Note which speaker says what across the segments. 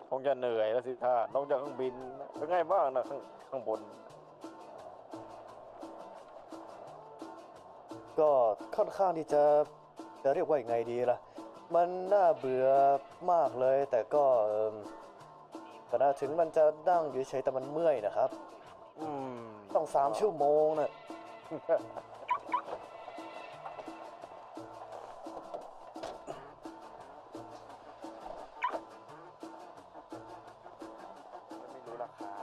Speaker 1: คงจะเหนื่อยแล้วสิท่าลงจากเครื่องบินเป็นไงบ้างนะข้างบน
Speaker 2: ก็ค่อนข้างที่จะเรียกว่าอย่างไงดีล่ะมันน่าเบื่อมากเลยแต่ก็ก็น่าถึงมันจะนั่งอยู่เฉยแต่มันเมื่อยนะครับ
Speaker 1: อืม
Speaker 2: ต้อง3 ชั่วโมงนะ
Speaker 1: ไม่รู้ราคา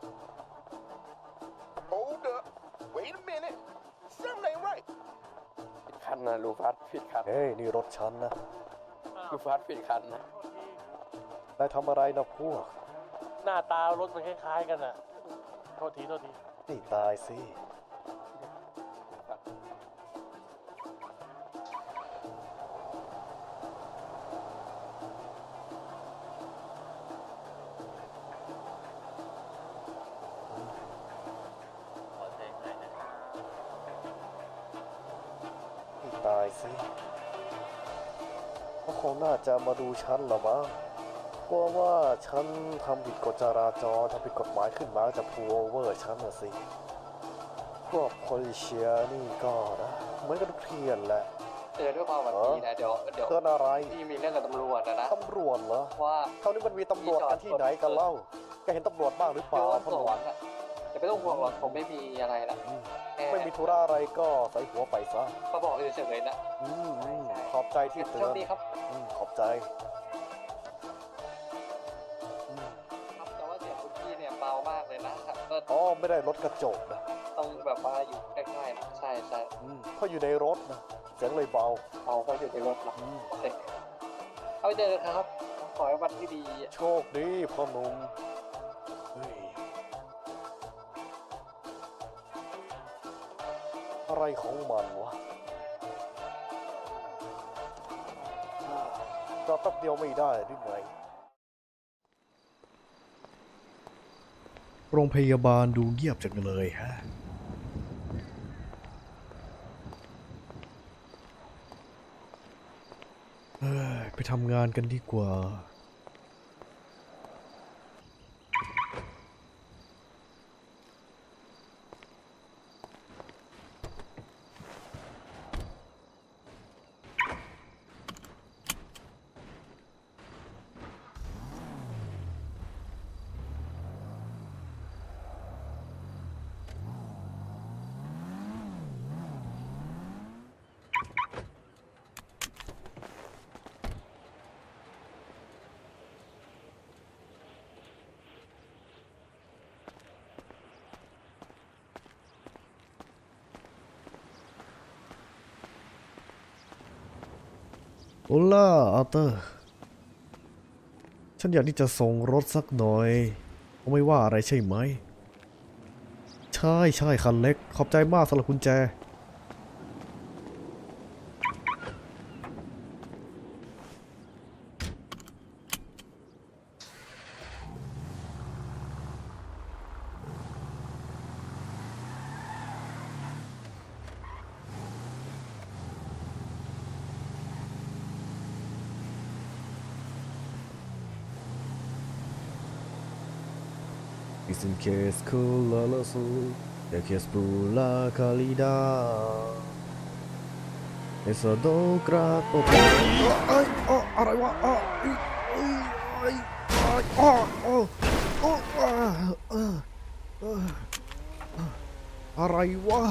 Speaker 3: Hold up. Wait a minute. Something ain't right.
Speaker 1: ผิดคันนะลูฟัสผิดคัน
Speaker 2: เฮ้ยนี่รถฉันนะ
Speaker 1: ลูฟัสผิดคันนะ
Speaker 2: นายทำอะไรนะพวก
Speaker 4: หน้าตารถมันคล้ายๆกันอ่ะ โทษที
Speaker 2: นี่ตายสินี่ตายสิเขาคงน่าจะมาดูฉันหรอมั้งกลัวว่าฉันทำผิดกฎจราจรทำผิดกฎหมายขึ้นมาจะพูลโอเวอร์ฉันนะสิพวกโพลิเชียนี่ก็นะเหมือนกันทุกเทียนแหละ
Speaker 5: เตือนด้วยความหวังดีนะเดี๋ยว
Speaker 2: เกินอะไร
Speaker 5: พี่มีเรื่องกับตำรวจนะ
Speaker 2: ตำรวจเหรอ
Speaker 5: ว่า
Speaker 2: เท่านี้มันมีตำรวจกันที่ไหนกันเล่าแกเห็นตำรวจบ้างหรือเป
Speaker 5: เดี๋
Speaker 2: ล่า
Speaker 5: ยวสวนอ่ะอย่าไปต้องห่วงหรอกผมไม่มีอะไรละแค่
Speaker 2: ไม่มีธุระอะไรก็ใส่หัวไปซะ
Speaker 5: มาบอกเฉยๆนะ
Speaker 2: ขอบใจที่เตื
Speaker 5: โช
Speaker 2: อ
Speaker 5: คน ดีครับ
Speaker 2: ขอบใจ
Speaker 5: ครับแต่ว่าเสียงคุณพี่เนี่ยเบามากเลยนะครับก็
Speaker 2: อ๋อไม่ได้รถกระจกนะ
Speaker 5: ต้องแบบว่าอยู่ใกล้ๆนะใช่
Speaker 2: เพราะอยู่ในรถนะเสียงเลยเบา
Speaker 5: เอาเขาอยู่ในรถหรอโอเคเอาไปเจอกันครับขอให้วันที่ดี
Speaker 2: โชคดีพ่อหนุ่มเฮ้ยอะไรของมันวะจอดแป๊บเดียวไม่ได้หรือไงโรงพยาบาลดูเงียบจังเลยฮะไปทำงานกันดีกว่าโอล่าอาร์เตอร์ฉันอยากที่จะส่งรถสักหน่อยไม่ว่าอะไรใช่ไหมใช่คันเล็กขอบใจมากสำหรับกุญแจIn case cool la su de que es pula calida eso do grato อะไรวะอะไรวะ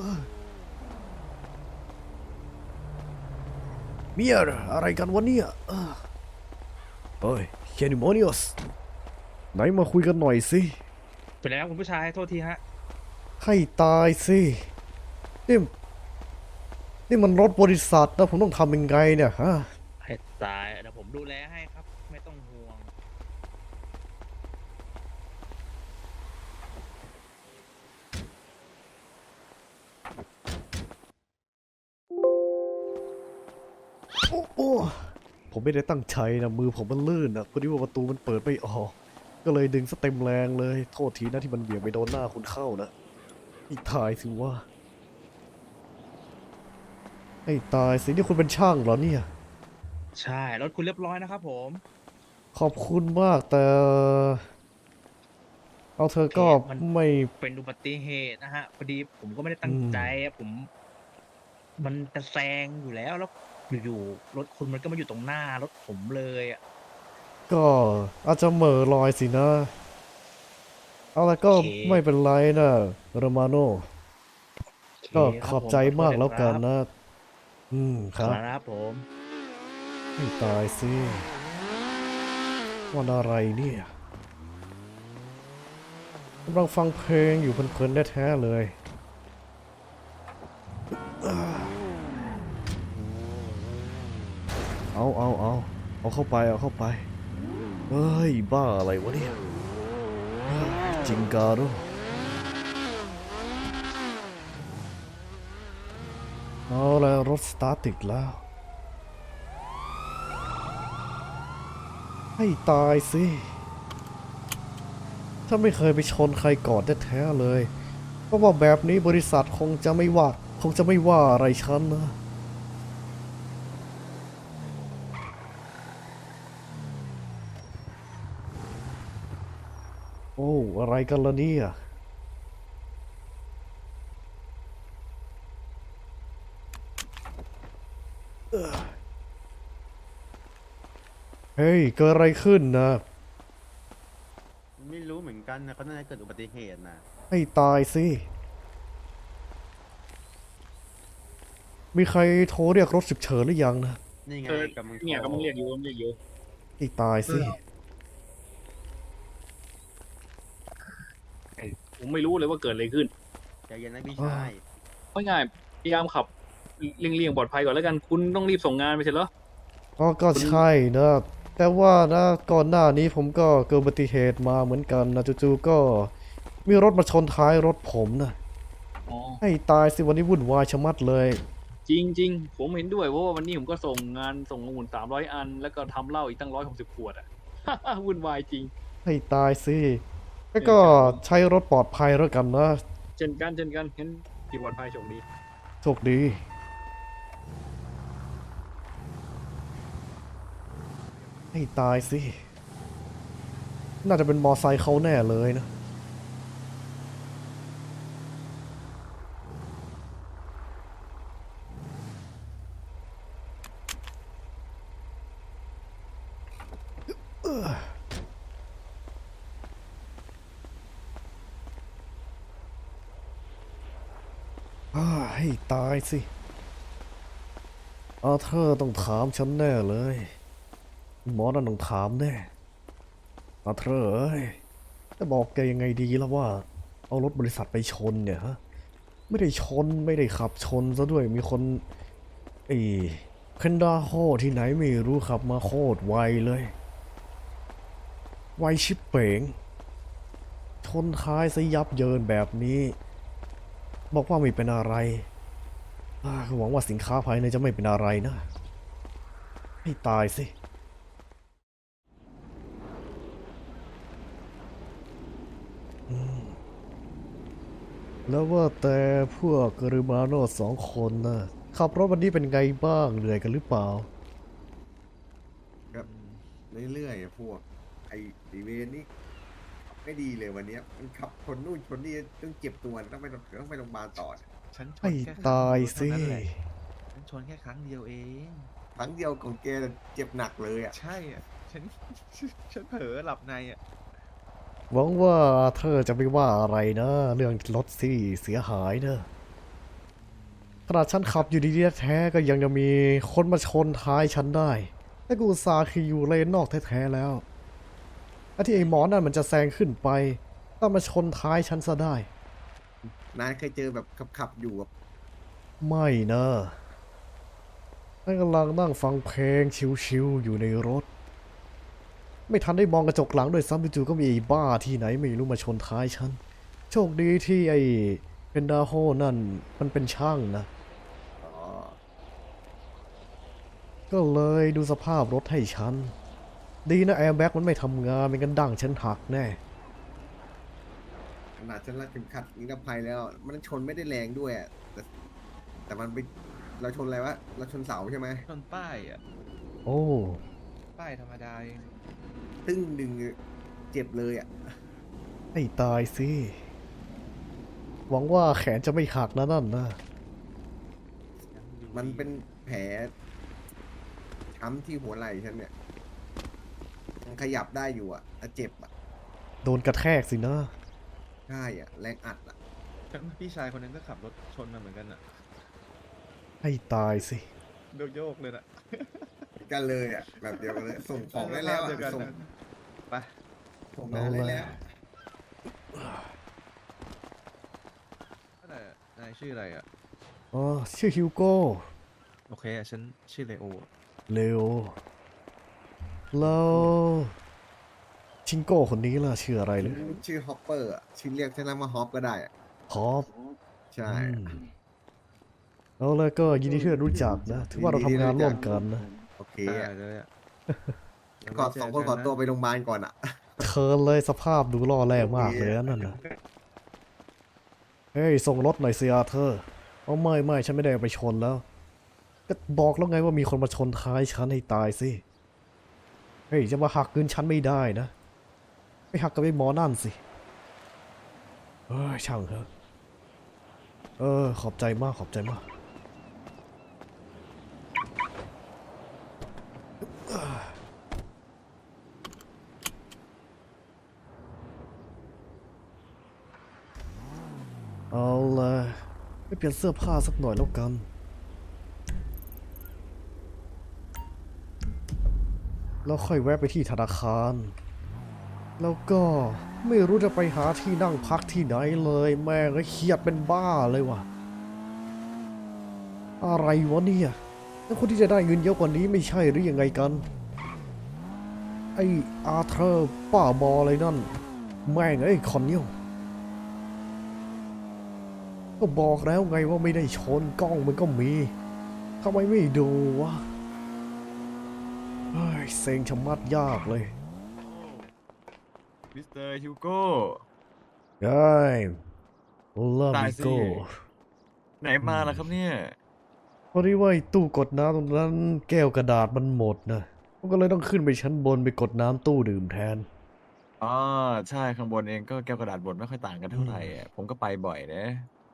Speaker 2: เมียร์อะไรกันวะเนี่ยเฮ้ยแคนิมอนิอสไหนมาคุยกันหน่อยสิ
Speaker 6: เป็นไรครับคุณผู้ชายโทษทีฮะ
Speaker 2: ให้ตายสินี่มันรถบริษัทนะผมต้องทำยังไงเนี่ยฮะ
Speaker 6: ให้ตายเดี๋ยวผมดูแลให้ครับไม่ต้องห่วง
Speaker 2: โอ้ผมไม่ได้ตั้งใจนะมือผมมันลื่นนะพอดีว่าประตูมันเปิดไม่ออกก็เลยดึงซะเต็มแรงเลยโทษทีนะที่มันเบี่ยงไปโดนหน้าคุณเข้านะนี่ตายสิว่าไอ้ตายสินี่คุณเป็นช่างเหรอเนี่ย
Speaker 6: ใช่รถคุณเรียบร้อยนะครับผม
Speaker 2: ขอบคุณมากแต่เอาเธอก็
Speaker 6: มัน
Speaker 2: ไม่
Speaker 6: เป็นอุบัติเหตุนะฮะพอดีผมก็ไม่ได้ตั้งใจอะมันจะแซงอยู่แล้วอยู่ๆรถคุณมันก็มาอยู่ตรงหน้ารถผมเลยอ่ะ
Speaker 2: ก็อาจจะเหม่อลอยสินะ เอาละก็
Speaker 6: โอเค
Speaker 2: ไม่เป็นไรนะโรมาโน ก็ขอบใจมากแล้วกันนะ
Speaker 6: ค
Speaker 2: ครับ
Speaker 6: รับผม
Speaker 2: ไม่ตายสิวันอะไรเนี่ยกำลังฟังเพลงอยู่เพลินๆแท้ๆเลย เอาเข้าไปเฮ้ย บ้าอะไรวะเนี่ยจิงการุเอาแล้วรถสตาร์ทติดแล้ว ให้ตายสิ ถ้าไม่เคยไปชนใครก่อนแท้ๆเลย เพราะว่าแบบนี้บริษัทคงจะไม่ว่าอะไรฉันนะ โอ้ อะไรกันล่ะเนี่ย เฮ้ย เกิดอะไรขึ้นนะ
Speaker 7: ไม่รู้เหมือนกันนะเขาน่าจะเกิดอุบัติเหตุนะ
Speaker 2: ให้ตายสิ มีใครโทรเรียกรถฉุกเฉินหรือยังนะ
Speaker 7: นี่ไงกำลัง
Speaker 4: เนี่ยก็มึงเรียกอยู่
Speaker 2: ให้ตายสิ
Speaker 4: ผมไม่รู้เลยว่าเกิดอะไรขึ้น
Speaker 7: ใจเย็นนะพี่ชาย
Speaker 4: ไม่ง่ายพยายามขับเลี่ยงปลอดภัยก่อนแล้วกันคุณต้องรีบส่งงานไปเสร็จแล้ว
Speaker 2: ก็ใช่นะ แต่ว่านะก่อนหน้านี้ผมก็เกิดอุบัติเหตุมาเหมือนกันนะจู่ๆก็มีรถมาชนท้ายรถผมนะ
Speaker 4: อ๋อ
Speaker 2: ให้ตายสิวันนี้วุ่นวายชะมัดเลย
Speaker 4: จริง ๆ ผมเห็นด้วยเพราะว่าวันนี้ผมก็ส่งงานส่งองุ่น300 อัน แล้วก็ทำเหล้าอีกตั้ง160 ขวดอ่ะ วุ่นวายจริง
Speaker 2: ให้ตายสิแล้วก็ใช้รถปลอดภัยแล้วกันนะ
Speaker 4: เช่นกันเห็นที่ปลอดภัยโชคดี
Speaker 2: โชคดี ให้ตายสิ น่าจะเป็นมอไซค์เขาแน่เลยนะ ให้ตายสิอาเธอร์ต้องถามฉันแน่เลย หมอนั่นต้องถามแน่อาเธอร์เอ้ยจะบอกแกยังไงดีแล้วว่า เอารถบริษัทไปชนเนี่ยฮะ ไม่ได้ชนไม่ได้ขับชนซะด้วยมีคนเคนดาโฮที่ไหนไม่รู้ขับมาโคตรไวเลย ไวชิบเป๋ง ชนท้ายซะยับเยินแบบนี้ บอกว่าไม่เป็นอะไรก็หวังว่าสินค้าภายในจะไม่เป็นอะไรนะ ให้ตายสิ แล้วว่าแต่พวกกริมาโน2 คนนะขับรถวันนี้เป็นไงบ้างเหนื่อยกันหรือเปล่า
Speaker 8: ก็เรื่อยๆอะพวกไอ้ดีเวนนี่ไม่ดีเลยวันเนี้ยมันขับชนนู่นชนนี่ต้องเจ็บตัวต้องไปโรงพยาบาลต่อเนี่ย
Speaker 9: ฉันช
Speaker 2: ให้
Speaker 9: นแค่ครั้ง
Speaker 2: ตาย
Speaker 9: เดียว
Speaker 2: สิ
Speaker 9: เท่านั้นแหละฉันชนแค่ครั้งเดียวเอง
Speaker 8: ครั้งเดียวของแกเจ็บหนักเลยอ่ะ
Speaker 9: ใช่อ่ะ ฉัน ฉันเผลอหลับในอ่ะ
Speaker 2: หวังว่าเธอจะไม่ว่าอะไรนะ เรื่องรถสิเสียหายเนอะขนาดฉันขับอยู่ดีๆแท้ๆก็ยังจะมีคนมาชนท้ายฉันได้แต่กูอุตส่าห์ขี่อยู่เลนนอกแท้ๆแล้วที่ไอ้หมอนั่นมันจะแซงขึ้นไปต้องมาชนท้ายฉันซะได้
Speaker 8: นายเคยเจอแบบขับอยู่แบบ
Speaker 2: ไม่นะฉันกำลังนั่งฟังเพลงชิวๆอยู่ในรถ ไม่ทันได้มองกระจกหลังด้วยซ้ำจู่ๆก็มีไอ้บ้าที่ไหนไม่รู้มาชนท้ายฉัน โชคดีที่ไอ้เพนดาโฮนั่นมันเป็นช่างนะ
Speaker 8: อ๋อ
Speaker 2: ก็เลยดูสภาพรถให้ฉัน ดีนะแอร์แบ็กมันไม่ทำงานไม่งั้นดั้งฉันหักแน่
Speaker 8: ขนาดฉันรัดเข็มขัดนิรภัยแล้ว มันชนไม่ได้แรงด้วยอะแต่มันไปเราชนอะไรวะเราชนเสาใช่ไหม
Speaker 9: ชนป้ายอ่ะ
Speaker 2: โอ้
Speaker 9: ป้ายธรรมดาเอง
Speaker 8: ตึ้งดึงเจ็บเลยอ่ะ
Speaker 2: ให้ตายสิ หวังว่าแขนจะไม่หักนะนั่นนะ
Speaker 8: มันเป็นแผลช้ำที่หัวไหล่ฉันเนี่ยมันขยับได้อยู่อ่ะแต่เจ็บอ่ะ
Speaker 2: โดนกระแทกสินะ
Speaker 8: ใช่อ่ะแรงอัดอ่ะ
Speaker 9: พี่ชายคนนั้นก็ขับรถชนมาเหมือนกันอ่ะ
Speaker 2: ให้ตายสิ
Speaker 9: โยกเลยน่ะ
Speaker 8: กันเลยอ่ะแบบเดียวกันเลยส่งของได้แล้ว
Speaker 9: เดียวกั
Speaker 8: อ่ะ
Speaker 9: น
Speaker 8: ส่ง
Speaker 9: นะไป
Speaker 8: ส่งงานได้แล้ว
Speaker 9: นั่นแหละนายชื่ออะไรอ่ะ
Speaker 2: อ๋อ ชื่อฮิวโก้
Speaker 9: โอเคอ่ะฉันชื่อเลโอ
Speaker 2: เลโอแล้วชิงโก้คนนี้ล่ะชื่ออะไรเลย
Speaker 8: ชื่อฮอปเปอร์อ่ะชื่อเรียกฉันว่าฮอปก็ได้อ่ะ
Speaker 2: ฮอป
Speaker 8: ใช่
Speaker 2: เอาแล้วก็ยินดีที่ได้รู้จักนะ ถือว่าเราทำงานร่วมกันนะ
Speaker 8: โอเค
Speaker 9: ได้
Speaker 8: อ่ะ
Speaker 9: เลยอ่ะ
Speaker 8: ก่อนสองคนขอตัวไปโรงพยาบาลก่อนอ่ะ
Speaker 2: เคินเลยสภาพดูล่อแร่มากเลยนะนั่นนะเฮ้ย ส่งรถหน่อยสิอาเธอร์เอาไม่ฉันไม่ได้เอาไปชนแล้ว ก็บอกแล้วไงว่ามีคนมาชนท้ายฉันให้ตายสิ เฮ้ย จะมาหักเงินฉันไม่ได้นะ ไปหักกับไอ้หมอนั่นสิ เอ้ยช่างเถอะขอบใจมากขอบใจมาก เอาละไปเปลี่ยนเสื้อผ้าสักหน่อยแล้วกัน แล้วค่อยแวะไปที่ธนาคาร แล้วก็ไม่รู้จะไปหาที่นั่งพักที่ไหนเลยแม่งก็เครียดเป็นบ้าเลยว่ะ อะไรวะเนี่ยแล้วคนที่จะได้เงินเยอะกว่านี้ไม่ใช่หรือยังไงกัน ไออาเธอร์ป้าบออะไรนั่น แม่งไอ้คอนเนียลก็บอกแล้วไงว่าไม่ได้ชนกล้องมันก็มีทำไมไม่ดูวะเฮ้ยเซ็งชะมัดยากเลย
Speaker 9: มิสเตอร์ฮิวโก้
Speaker 2: ได้ลา
Speaker 9: ตาย
Speaker 2: บิ
Speaker 9: สิ
Speaker 2: โก้
Speaker 9: ไหนมาล่ะครับเนี่ย
Speaker 2: พอดีว่าไอ้ตู้กดน้ำตรงนั้นแก้วกระดาษมันหมดนะผมก็เลยต้องขึ้นไปชั้นบนไปกดน้ำตู้ดื่มแทน
Speaker 9: อ๋อใช่ข้างบนเองก็แก้วกระดาษบดไม่ค่อยต่างกันเท่าไหร่อ่ะผมก็ไปบ่อยนะ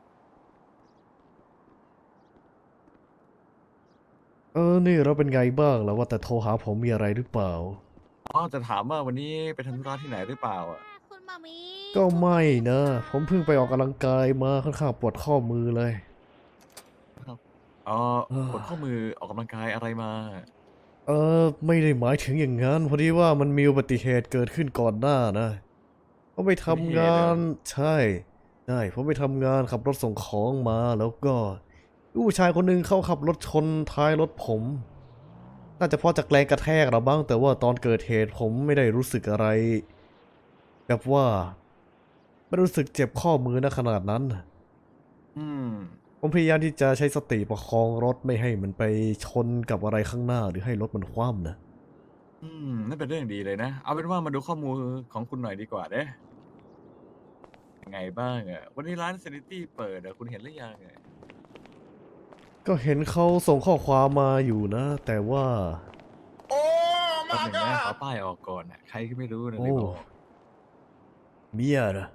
Speaker 2: นี่เราเป็นไงบ้างแล้วว่าแต่โทรหาผมมีอะไรหรือเปล่า
Speaker 9: อ๋อจะถามว่าวันนี้ไปทำธุระที่ไหนหรือเปล่าอ่ะ
Speaker 10: คุณมามี
Speaker 2: ก็ไม่นะ ผมเพิ่งไปออกกำลังกายมาค่อนข้างปวดข้อมือเลย
Speaker 9: อ๋อ
Speaker 2: เออ
Speaker 9: ปวดข้อมือออกกำลังกายอะไรมา
Speaker 2: ไม่ได้หมายถึงอย่างนั้นพอดีว่ามันมีอุบัติเหตุเกิดขึ้นก่อนหน้านะผมไปทำงานใช่ผมไปทำงานขับรถส่งของมาแล้วก็ผู้ชายคนหนึ่งเขาขับรถชนท้ายรถผม น่าจะเพราะจากแรงกระแทกหรือบ้างแต่ว่าตอนเกิดเหตุผมไม่ได้รู้สึกอะไรแบบว่าไม่รู้สึกเจ็บข้อมือนะขนาดนั้น
Speaker 9: อืม
Speaker 2: ผมพยายามที่จะใช้สติประคองรถไม่ให้มันไปชนกับอะไรข้างหน้าหรือให้รถมันคว่ำนะ
Speaker 9: นั่นเป็นเรื่องดีเลยนะ เอาเป็นว่ามาดูข้อมูลของคุณหน่อยดีกว่าเด้ยังไงบ้างอ่ะ วันนี้ร้านเซนิตี้เปิดอ่ะคุณเห็นหรือยังอ่ะ
Speaker 2: ก็เห็นเขาส่งข้อความมาอยู่นะ แต่ว่า
Speaker 9: แป๊บหนึงนะขอป้ายออกก่อนอ่ะ ใครก็ไม่รู้นะเลยบอก
Speaker 2: เมียนะ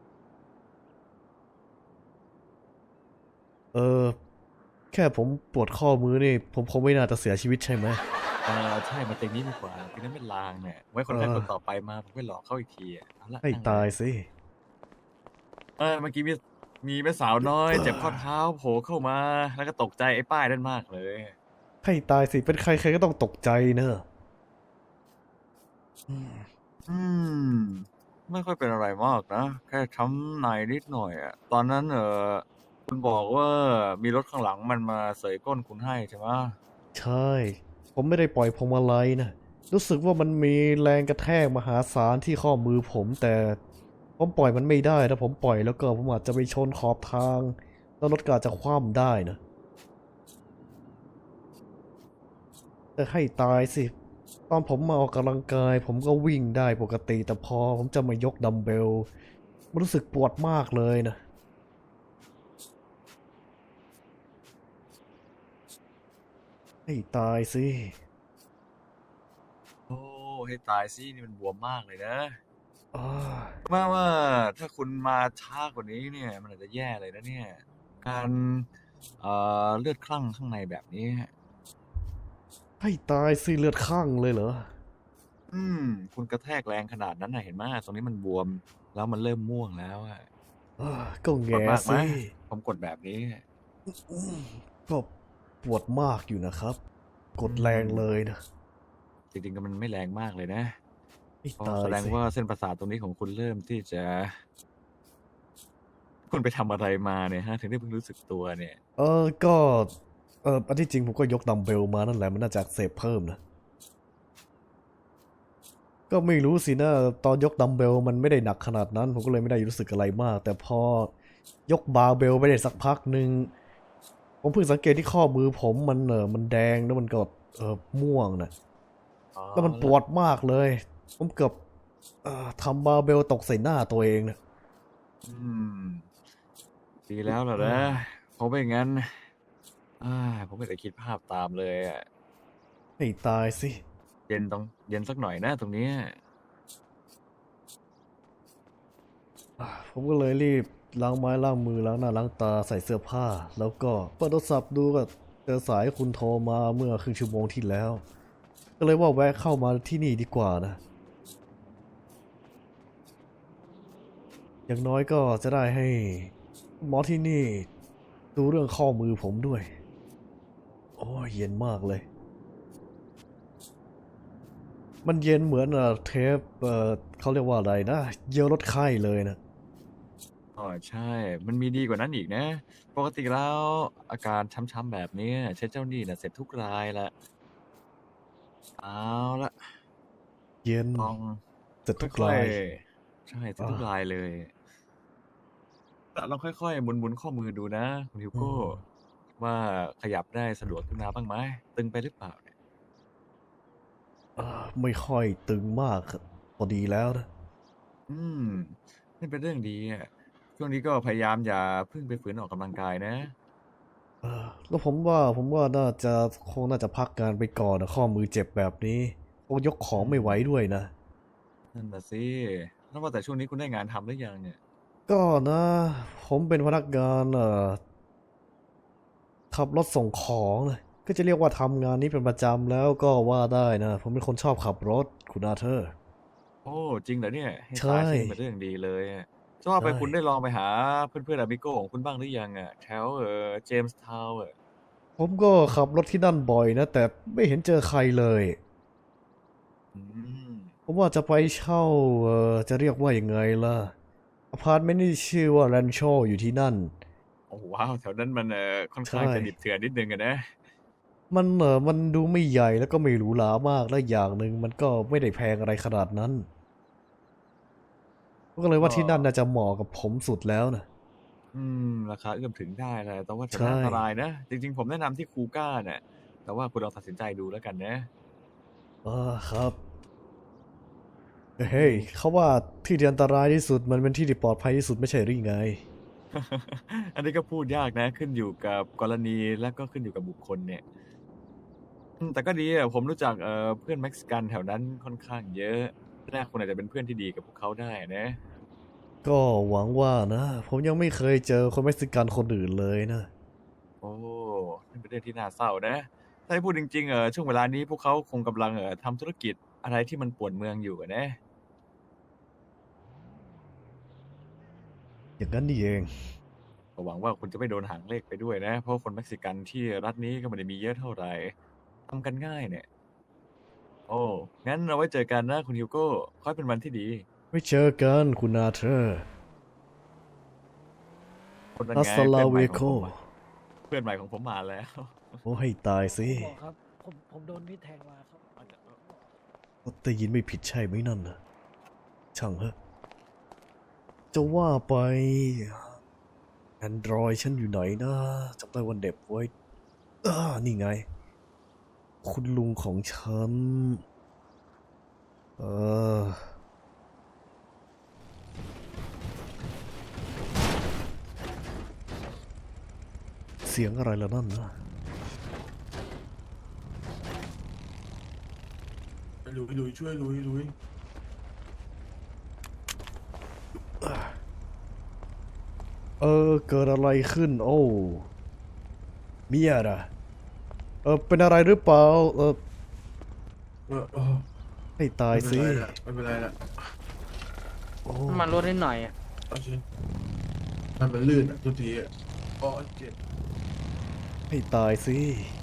Speaker 2: แค่ผมปวดข้อมือนี่ผมคงไม่น่าจะเสียชีวิตใช่ไหม
Speaker 9: ใช่มาเต็งนี้ดีกว่าคือนั้นเป็นลางเนี่ย ไว้คนแรก
Speaker 2: เออ
Speaker 9: คนต่อไปมาผมไปหลอกเขาอีกทีอ่ะเอาละ
Speaker 2: ให้
Speaker 9: นั่งเลย
Speaker 2: ตายสิ
Speaker 9: เมื่อกี้มีแม่สาวน้อย เจ็บข้อเท้าโผล่เข้ามา แล้วก็ตกใจไอ้ป้ายนั่นมากเลย
Speaker 2: ให้ตายสิเป็นใครใครก็ต้องตกใจเนอะ
Speaker 9: ไม่ค่อยเป็นอะไรมากนะ แค่ช้ำในนิดหน่อยอ่ะ ตอนนั้นคุณบอกว่ามีรถข้างหลังมันมาเสยก้นคุณให้ใช่ไหม
Speaker 2: ใช่ ผมไม่ได้ปล่อยพวงมาลัยนะรู้สึกว่ามันมีแรงกระแทกมหาศาลที่ข้อมือผมแต่ผมปล่อยมันไม่ได้ถ้าผมปล่อยแล้วก็ผมอาจจะไปชนขอบทางแล้วรถก็อาจจะคว่ำได้นะแต่ให้ตายสิตอนผมมาออกกำลังกายผมก็วิ่งได้ปกติแต่พอผมจะมายกดัมเบลมันรู้สึกปวดมากเลยนะให้ตายสิ
Speaker 9: โอ้ให้ตายสินี่มันบวมมากเลยนะ
Speaker 2: อ้า
Speaker 9: ว่าถ้าคุณมาช้ากว่านี้เนี่ย มันอาจจะแย่เลยนะเนี่ย การเลือดคลั่งข้างในแบบนี้
Speaker 2: ให้ตายสิเลือดข้างเลยเหรอ
Speaker 9: คุณกระแทกแรงขนาดนั้นนะเห็นไหมตรงนี้มันบวมแล้วมันเริ่มม่วงแล้วอะ
Speaker 2: ก็
Speaker 9: ปวด
Speaker 2: แง่
Speaker 9: มากไหม
Speaker 2: สิ
Speaker 9: ผมกดแบบนี้
Speaker 2: ก็ปวดมากอยู่นะครับ กดแรงเลยนะ
Speaker 9: จริงๆก็มันไม่แรงมากเลยนะ
Speaker 2: ให้
Speaker 9: ก็
Speaker 2: ตาย
Speaker 9: แสดง
Speaker 2: สิ
Speaker 9: ว่าเส้นประสาทตรงนี้ของคุณเริ่มที่จะ คุณไปทำอะไรมาเนี่ยฮะ ถึงได้เพิ่งรู้สึกตัวเนี่ย
Speaker 2: ก็อันที่จริงผมก็ยกดัมเบลมานั่นแหละมันน่าจะอักเสบเพิ่มนะ ก็ไม่รู้สินะตอนยกดัมเบลมันไม่ได้หนักขนาดนั้น ผมก็เลยไม่ได้รู้สึกอะไรมาก แต่พอยกบาร์เบลไปได้สักพักหนึ่งผมเพิ่งสังเกตที่ข้อมือผมมันแดงแล้วมันก็ม่วงนะแล้วมันปวดมากเลย ผมเกือบทำบาร์เบลตกใส่หน้าตัวเองนะ
Speaker 9: ดีแล้วล่ะนะเพราะไม่งั้นผมไม่ได้คิดภาพตามเลยอะ
Speaker 2: ให้ตายสิ
Speaker 9: เย็นสักหน่อยนะตรงเนี้ย
Speaker 2: ผมก็เลยรีบล้างไม้ล้างมือล้างหน้าล้างตาใส่เสื้อผ้า แล้วก็เปิดโทรศัพท์ดูก็เจอสายคุณโทรมาเมื่อครึ่งชั่วโมงที่แล้ว ก็เลยว่าแวะเข้ามาที่นี่ดีกว่านะ อย่างน้อยก็จะได้ให้หมอที่นี่ดูเรื่องข้อมือผมด้วย โอ้ยเย็นมากเลย มันเย็นเหมือนเทปเขาเรียกว่าอะไรนะเยียวลดไข้เลยนะ
Speaker 9: ใช่ มันมีดีกว่านั้นอีกนะ ปกติแล้วอาการช้ำๆแบบนี้เช็ดเจ้าหนี้น่ะเสร็จทุกรายละเอาละ
Speaker 2: เย็น
Speaker 9: ลอง
Speaker 2: แต่ทุก
Speaker 9: ค่อ
Speaker 2: ราย ย
Speaker 9: ๆใช่เสร็จทุกรายเลยแต่ลองค่อยๆหมุนข้อมือดูนะคุณฮิวโก้ว่าขยับได้สะดวกขึ้นมาบ้างไหมตึงไปหรือเปล่าเนี่ย
Speaker 2: ไม่ค่อยตึงมากครับพอดีแล้วนะ
Speaker 9: นี่เป็นเรื่องดีอ่ะช่วงนี้ก็พยายามอย่าเพิ่งไปฝืนออกกำลังกายนะ
Speaker 2: แล้วผมว่าน่าจะพักงานไปก่อนนะข้อมือเจ็บแบบนี้คงยกของไม่ไหวด้วยนะ
Speaker 9: นั่นน่ะสิแล้วว่าแต่ช่วงนี้คุณได้งานทำหรือยังเนี่ย
Speaker 2: ก็นะ ผมเป็นพนักงานขับรถส่งของนะก็จะเรียกว่าทำงานนี้เป็นประจำแล้วก็ว่าได้นะ ผมเป็นคนชอบขับรถคุณอาเธอร์
Speaker 9: โอ้จริงเหรอเนี่ยให้
Speaker 2: ใช่
Speaker 9: ตายสิเป็นเรื่องดีเลยอะจะว่าไป
Speaker 2: ใช่
Speaker 9: คุณได้ลองไปหาเพื่อนๆอาบิโก้ของคุณบ้างหรือยังอ่ะแถวเจมส์ทาวน์
Speaker 2: ผมก็ขับรถที่นั่นบ่อยนะ แต่ไม่เห็นเจอใครเลย
Speaker 9: อืม
Speaker 2: ผมว่าจะไปเช่าจะเรียกว่ายังไงล่ะอพาร์ตเมนต์ที่ชื่อว่าแรนโชอยู่ที่นั่น
Speaker 9: โอ้ว้าวแถวนั้นมันค่อนข้าง
Speaker 2: ใช่
Speaker 9: จะดิบเถื่อนนิดนึงอะนะ
Speaker 2: มันดูไม่ใหญ่แล้วก็ไม่หรูหรามากและอย่างหนึ่งมันก็ไม่ได้แพงอะไรขนาดนั้นก็เลยว่าที่นั่นน่าจะเหมาะกับผมสุดแล้วนะ
Speaker 9: ราคาเอื้อมถึงได้แหละแต่ว่าแถว
Speaker 2: ใช่
Speaker 9: นั้นอันตรายนะ จริงๆ ผมแนะนำที่คูก้าเนี่ยแต่ว่าคุณลองตัดสินใจดูแล้วกันนะ
Speaker 2: ครับเฮ้ยเขาว่าที่ที่อันตรายที่สุดมันเป็นที่ที่ปลอดภัยที่สุดไม่ใช่หรือไง
Speaker 9: อันนี้ก็พูดยากนะ ขึ้นอยู่กับกรณีและก็ขึ้นอยู่กับบุคคลเนี่ยแต่ก็ดีอะผมรู้จักเพื่อนเม็กซิกันแถวนั้นค่อนข้างเยอะน่าคุณอาจจะเป็นเพื่อนที่ดีกับพวกเขาได้นะ
Speaker 2: ก็หวังว่านะ ผมยังไม่เคยเจอคนเม็กซิกันคนอื่นเลยนะ
Speaker 9: โอ้นี่เป็นเรื่องที่น่าเศร้านะ ถ้าให้พูดจริงๆช่วงเวลานี้พวกเขาคงกำลังทำธุรกิจอะไรที่มันป่วนเมืองอยู่อะนะ
Speaker 2: อย่างนั้นนี่เอง
Speaker 9: ก็หวังว่าคุณจะไม่โดนหางเลขไปด้วยนะ เพราะคนเม็กซิกันที่รัฐนี้ก็ไม่ได้มีเยอะเท่าไหร่ทำกันง่ายเนี่ย โอ้งั้นเราไว้เจอกันนะคุณฮิวโก้ขอให้เป็นวันที่ดี
Speaker 2: ไว้เจอกันคุณอาเธอร์
Speaker 9: คนนั้น
Speaker 2: อั
Speaker 9: ไง
Speaker 2: สลา
Speaker 9: เพื่อนให
Speaker 2: เว
Speaker 9: ม่ข
Speaker 2: โก
Speaker 9: องผมอะเพื่อนใหม่ของผมมาแล้ว
Speaker 2: โอ้ให้ตายสิ
Speaker 10: หมอครับ ผมโดนมีดแทงมาครับ
Speaker 2: ได้ยินไม่ผิดใช่ไหมนั่นนะช่างเหอะจะว่าไป Android ฉันอยู่ไหนนะจำได้วันเด็บไว้นี่ไง คุณลุงของฉัน เสียงอะไรแล้วนั่นนะ
Speaker 11: ลุยช่วยลุย
Speaker 2: เกิดอะไรขึ้น โอ้เมียนะเป็นอะไรหรือเปล่าให้ตายสิ
Speaker 11: ไม่เป็นไรละ
Speaker 2: โอ้
Speaker 5: มันลดนิดหน่อยอ่ะ
Speaker 11: เอาสิมันลื่นอ่ะทุกทีอ่ะอ๋อเจ็บ
Speaker 2: ให้ตายสิ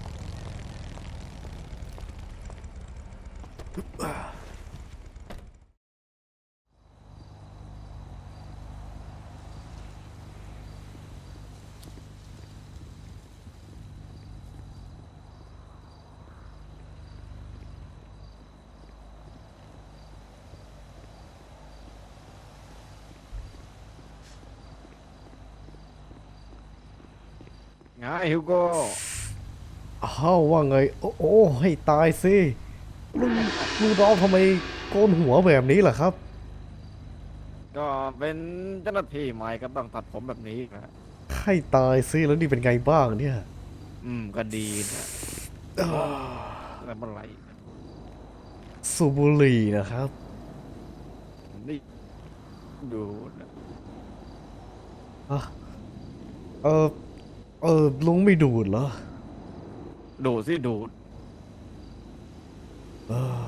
Speaker 1: ไงฮิวโก้
Speaker 2: อ้าวว่าไง โอ้ ให้ตายสิลุงร้องทำไมโกนหัวแบบนี้ล่ะครับ
Speaker 1: ก็เป็นเจ้าหน้าที่ใหม่ก็ต้องตัดผมแบบนี้นะ
Speaker 2: ให้ตายสิแล้วนี่เป็นไงบ้างเนี่ย
Speaker 1: ก็ดีนะแล้วเมื่อไหร่
Speaker 2: สูบบุหรี่นะครับ
Speaker 1: นี่ดูนะ
Speaker 2: อ่ะลุงไม่ดูดเหรอ
Speaker 1: ดูสิดูด
Speaker 2: เออ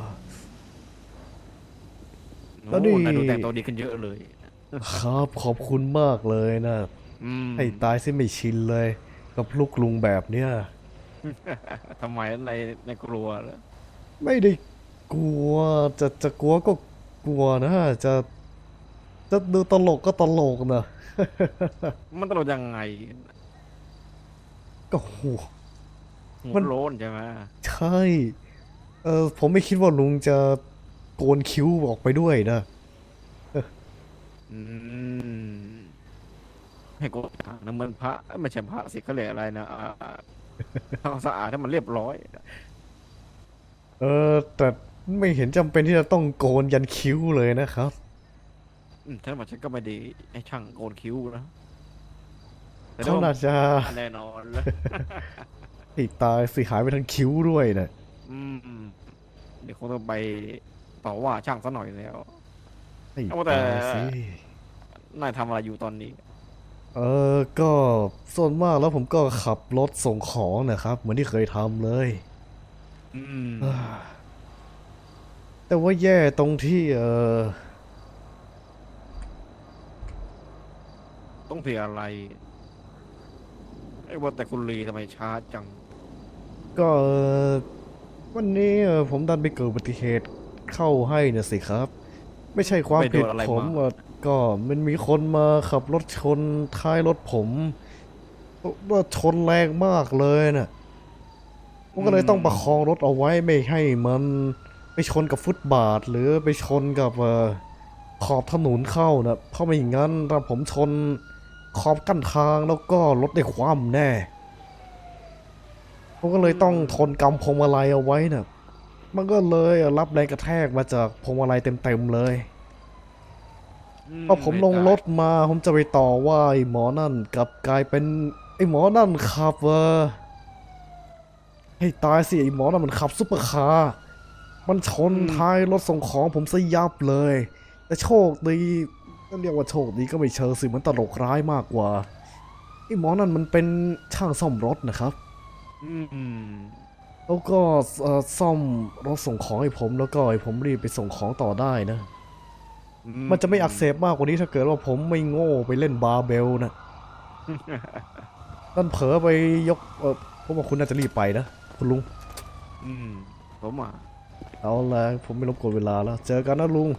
Speaker 2: แล้วนี่
Speaker 1: โอ้นายดูแต่งตัวดีขึ้นเยอะเลย
Speaker 2: ครับขอบคุณมากเลยนะ ให้ตายสิไม่ชินเลย กับลูกลุงแบบเนี้ย
Speaker 1: ทำไมในกลัวเหรอ
Speaker 2: ไม่ได้กลัวจะกลัวก็กลัวนะ จะดูตลกก็ตลกนะ
Speaker 1: มันตลกยังไง
Speaker 2: ก็โห
Speaker 1: หั
Speaker 2: มั
Speaker 1: วน โล้นใช่ไหม
Speaker 2: ใช่ ผมไม่คิดว่าลุงจะโกนคิ้วออกไปด้วยนะ
Speaker 1: อืมให้กูถามนะเหมือนพระไม่ใช่พระสิเขาเรียกอะไรนะทำสะอาดให้มันเรียบร้อย
Speaker 2: แต่ไม่เห็นจำเป็นที่จะต้องโกนยันคิ้วเลยนะครับ
Speaker 1: ถ้ามาฉันก็ไม่ดีให้ช่างโกนคิ้วนะแต่
Speaker 2: เขาน่าจะ
Speaker 1: แน่นอนเลย
Speaker 2: ติดตายสิหายไปทั้งคิ้วด้วยนะ
Speaker 1: เดี๋ยวคงต้องไปต่อว่าช่างซะหน่อยแล้ว
Speaker 2: ให้
Speaker 1: เอาแต่
Speaker 2: ตายสิ
Speaker 1: นายทำอะไรอยู่ตอนนี้
Speaker 2: ก็ส่วนมากแล้วผมก็ขับรถส่งของนะครับ เหมือนที่เคยทำเลย แต่ว่าแย่ตรงที่
Speaker 1: ต้องเสียอะไรไอ้ว่าแต่คุณลีทำไมช้าจัง
Speaker 2: ก็วันนี้ผมดันไปเกิดอุบัติเหตุเข้าให้นะสิครับ ไม่ใช่ความ
Speaker 1: ไปโด
Speaker 2: ผิด
Speaker 1: นอะไร
Speaker 2: ผม
Speaker 1: มา
Speaker 2: ก็มันมีคนมาขับรถชนท้ายรถผมว่าชนแรงมากเลยน่ะผมก็เลยต้องประคองรถเอาไว้ไม่ให้มันไปชนกับฟุตบาท หรือไปชนกับขอบถนนเข้านะเพราะไม่อย่างนั้นถ้าผมชนขอบกั้นทางแล้วก็รถได้คว่ำแน่ ผมก็เลยต้องทนกำพวงมาลัยเอาไว้น่ะ มันก็เลยรับแรงกระแทกมาจากพวงมาลัยเต็มๆเลยพอผมลงรถมาผมจะไปต่อว่าไอ้หมอนั่นกลับกลายเป็นไอ้หมอนั่นขับให้ตายสิไอ้หมอนั่นมันขับซุปเปอร์คาร์มันชนท้ายรถส่งของผมซะยับเลย แต่โชคดีก็เรียกว่าโชคดีก็ไม่เชิงสิมันตลกร้ายมากกว่าไอ้หมอนั่นมันเป็นช่างซ่อมรถนะครับ แล้วก็ซ่อมรถส่งของให้ผมแล้วก็ให้ผมรีบไปส่งของต่อได้นะ มันจะไม่อักเสบมากกว่านี้ถ้าเกิดว่าผมไม่โง่ไปเล่นบาร์เบลนะ นั่นเผลอไปยกผมว่าคุณน่าจะรีบไปนะคุณลุง
Speaker 1: ผมอ่ะ
Speaker 2: เอาละผมไม่รบกวนเวลาแล้ว เจอกันนะลุง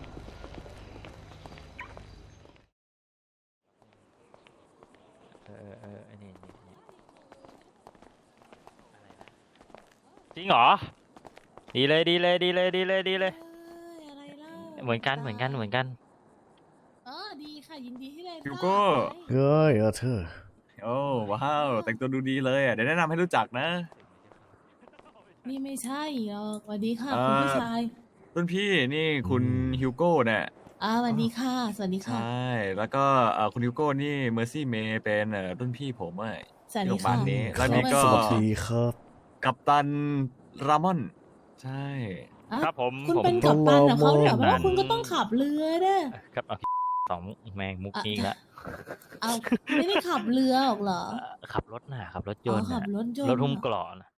Speaker 12: จริงเหรอ ดีเลยดีเลยดีเลยดีเลยดีเลย
Speaker 13: อะไรเล่า
Speaker 12: เหมือนกันเหมือนกันเหมือนกัน
Speaker 13: ดีค่ะยินดีที่ได้
Speaker 9: ฮิวโก้
Speaker 2: เฮ้ยเธอ
Speaker 9: โอ้ว้าวแต่งตัวดูดีเลยอ่ะเดี๋ยวแนะนำให้รู้จักนะ
Speaker 13: นี่ไม่ใช่หรอกสวัสดีค่ะ
Speaker 9: เอ่อ
Speaker 13: คุณผู้ชาย
Speaker 9: รุ่นพี่นี่คุณฮิวโก้เนี่ย
Speaker 13: สวัสดีค่ะ สวัสดี
Speaker 9: ใช
Speaker 13: ค่ะ
Speaker 9: ่แล้วก็คุณฮิวโก้นี่เมอร์ซี่เมย์เป็นรุ่นพี่ผมอ่ะ
Speaker 13: สวัส
Speaker 9: ที่
Speaker 13: ดี
Speaker 9: โรงพยาบา
Speaker 13: ค่ะ
Speaker 9: ลนี้แล้วนี่ก็
Speaker 2: สวัสดีครับ
Speaker 9: กัปตันรามอน ใช่
Speaker 13: อ่ะ
Speaker 12: ครับผม
Speaker 13: คุณ
Speaker 12: ผม
Speaker 13: เป็นกัปตันกับเขาเนี่ย
Speaker 12: กัป
Speaker 13: เพ
Speaker 12: ตัน
Speaker 13: ราะว่าคุณก็ต้องขับเรือเด้อ
Speaker 12: ครับเอาสองแมงมุกนี้อีกแล้ว
Speaker 13: เอาไม่ได้ขับเรือหรอกเหรอ
Speaker 12: ขับรถน่ะขับรถยนต์
Speaker 13: อ๋อขั
Speaker 12: น่ะ
Speaker 13: บรถยนต์
Speaker 12: รถหุ้ม
Speaker 13: น่ะ
Speaker 12: เกราะน่ะ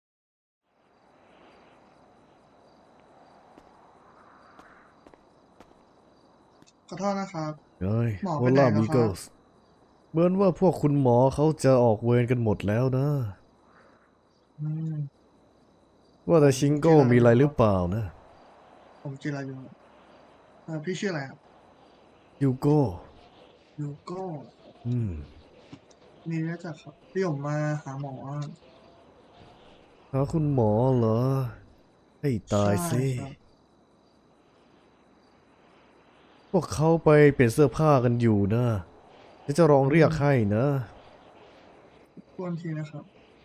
Speaker 10: ขอโทษนะครับ
Speaker 14: เฮ้ย
Speaker 10: หมอ
Speaker 14: โอ
Speaker 10: ไปไหน
Speaker 14: ล่า
Speaker 10: แล้ว
Speaker 14: มิ
Speaker 10: ค
Speaker 14: เกิ
Speaker 10: รั
Speaker 14: ล
Speaker 10: บ
Speaker 14: ส์เหมือนว่าพวกคุณหมอเขาจะออกเวรกันหมดแล้วนะ
Speaker 10: อืม
Speaker 14: ว่าแต่ชิงโก้มีอะไรหรือเปล่านะ
Speaker 10: ผมจิรายุพี่ชื่ออะไรครับ
Speaker 14: ยูโก้
Speaker 10: ยูโก้
Speaker 14: อืม
Speaker 10: มีรู้จักครับพี่ผมมาหาหมอ
Speaker 14: หาคุณหมอเหรอ ให้ตายสิ
Speaker 10: ใช่ครับ
Speaker 14: พวกเขาไปเปลี่ยนเสื้อผ้ากันอยู่นะเดี๋ยวจะลองเรียกให้นะ
Speaker 10: ทวนทีนะครับ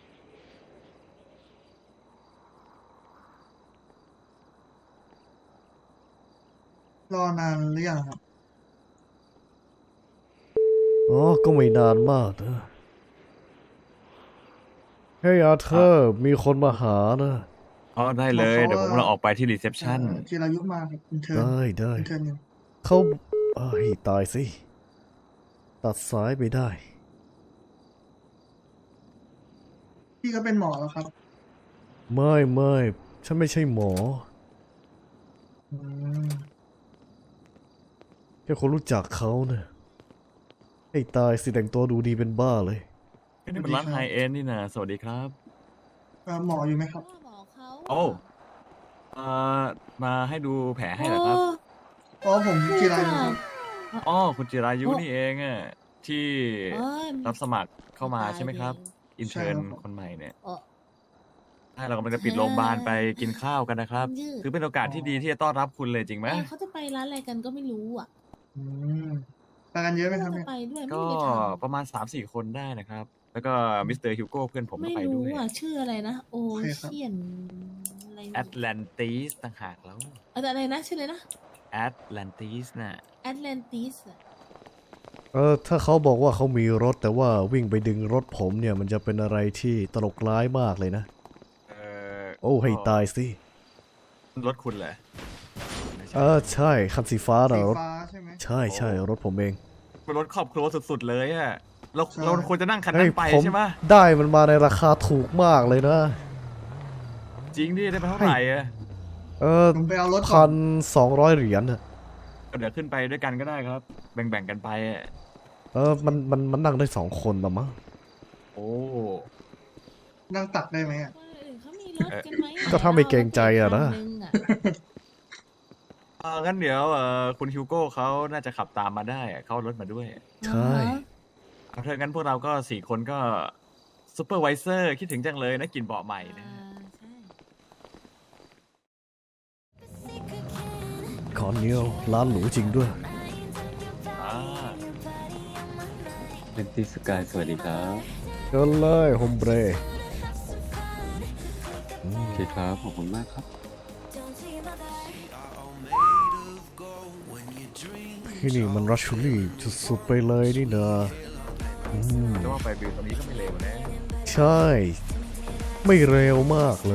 Speaker 10: รอนานหรือยังครับ
Speaker 14: อ๋อ ก็ไม่นานมากนะเฮ้ยอาเธอร์ มีคนมาหานะ
Speaker 9: อ๋อได้เลย เดี๋ยวผมกำลังออกไปที่รีเซพชัน
Speaker 10: จิรายุมาครับอินเทอร์
Speaker 14: ได้ได้
Speaker 10: อินเทอร์หนึ่ง
Speaker 14: เขาให้ตายสิ ตัดสายไปได้
Speaker 10: พี่ก็เป็นหมอแล้วครับ
Speaker 14: ไม่ฉันไม่ใช่หมอ
Speaker 10: อืม
Speaker 14: แค่คนรู้จักเขาเนะ ให้ตายสิแต่งตัวดูดีเป็นบ้าเลย
Speaker 9: นี่เป็นร้านไฮเอ็นนี่นะสวัสดีครับ
Speaker 10: หมออยู่ไหมครับ
Speaker 13: หมอเขา
Speaker 9: โอ้มาให้ดูแผลให้เหรอครับ
Speaker 10: อ๋อผมจิรายุครับ
Speaker 9: อ๋อคุณจิรายุนี่เองอ่ะที่
Speaker 13: เอ้ย
Speaker 9: รับสมัครเข้ามาใช่ไหมครับ อินเทอร์น
Speaker 10: ใช่ครับ
Speaker 9: คนใหม่เนี่ย
Speaker 13: เอ่อ
Speaker 9: ใช่เรากำลังจะปิดโรงพยาบาลไปกินข้าวกันนะครับ
Speaker 13: ยืด
Speaker 9: ถือเป็นโอกาสที่ดีที่จะต้อนรับคุณเลยจริงไหม
Speaker 13: เขาจะไปร้านอะไรกันก็ไม่รู้อ่ะ
Speaker 10: อืมไปกันเยอะไหมครับ
Speaker 13: จะ
Speaker 10: เนี่ย
Speaker 13: ไปด้วยไม่
Speaker 9: ก็
Speaker 13: ได้ถาม
Speaker 9: ประมาณ 3-4 คนได้นะครับ แล้วก็มิสเตอร์ฮิวโก้เพื่อนผมก็
Speaker 13: ไม่
Speaker 9: ไป
Speaker 13: รู้
Speaker 9: ด้วย
Speaker 13: อ่ะชื่ออะไรนะ โอ
Speaker 10: โอเคครับ
Speaker 13: เชียนอะไร
Speaker 9: แอตแลนติสต่างหากแล้ว
Speaker 13: อะไรนะชื่ออะไรนะ
Speaker 9: แอตแลนติสน่ะ
Speaker 13: แอตแลนติส
Speaker 14: ถ้าเขาบอกว่าเขามีรถแต่ว่าวิ่งไปดึงรถผมเนี่ย มันจะเป็นอะไรที่ตลกร้ายมากเลยนะ โอ้ให้ตายสิ
Speaker 9: รถคุณเหรอ
Speaker 14: ใช่คันสีฟ้า
Speaker 10: สี
Speaker 14: นะรถ
Speaker 10: ฟ้าใช่ไหม
Speaker 14: ใช่รถผมเอง
Speaker 9: เป็นรถครอบครัวสุดๆเลยอ่ะเรา
Speaker 10: ใช่
Speaker 9: เราควรจะนั่งคัน
Speaker 14: เฮ้
Speaker 9: นั้
Speaker 14: ย
Speaker 9: นไป
Speaker 14: ผม
Speaker 9: ใช่ไหม
Speaker 14: ได้มันมาในราคาถูกมากเลยนะ
Speaker 9: จริงดิได้ไปเท่าไหร่อ่ะ
Speaker 10: ผมไปเอารถก่
Speaker 14: พั
Speaker 10: อน
Speaker 14: น200 เหรียญน่ะ
Speaker 9: เดี๋ยวขึ้นไปด้วยกันก็ได้ครับ แบ่งๆกันไปอะ
Speaker 14: มันนั่งได้2 คนละมั้ง
Speaker 9: โอ้
Speaker 10: นั่งตักได้ไหมอะ
Speaker 13: คนอื่นเขามีรถกันไหม
Speaker 14: ก็ถ้าไม่เกรงใจอะนะ
Speaker 13: คังอ
Speaker 9: งั้นเดี๋ยวคุณฮิวโก้เขาน่าจะขับตามมาได้อะเขาเอารถมาด้วย
Speaker 14: ใช่
Speaker 9: เอาเถอะงั้นพวกเราก็4 คนก็ซูเปอร์ไวเซอร์คิดถึงจังเลยนะกลินเบาะใหม่นะ
Speaker 13: ใช่
Speaker 14: คอนเนียลร้านหรูจริงด้วย
Speaker 15: เป็นติสกายสวัสดีครับ
Speaker 14: เชิญเลยโฮมเบร
Speaker 15: โอเคครับ ขอบคุณมากครับ
Speaker 14: ที่นี่มันรัชชูรี่สุดๆไปเลยนี่นะ
Speaker 9: แต่ว่าไปบิวตอนนี้ก็ไม่เร็วนะ
Speaker 14: ใช่ ไม่เร็วมากเลย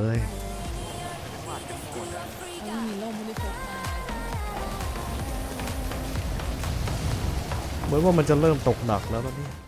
Speaker 13: เอามีร่มไม่ได้พกมา
Speaker 14: เหมือนว่ามันจะเริ่มตกหนักแล้วนะเนี่ย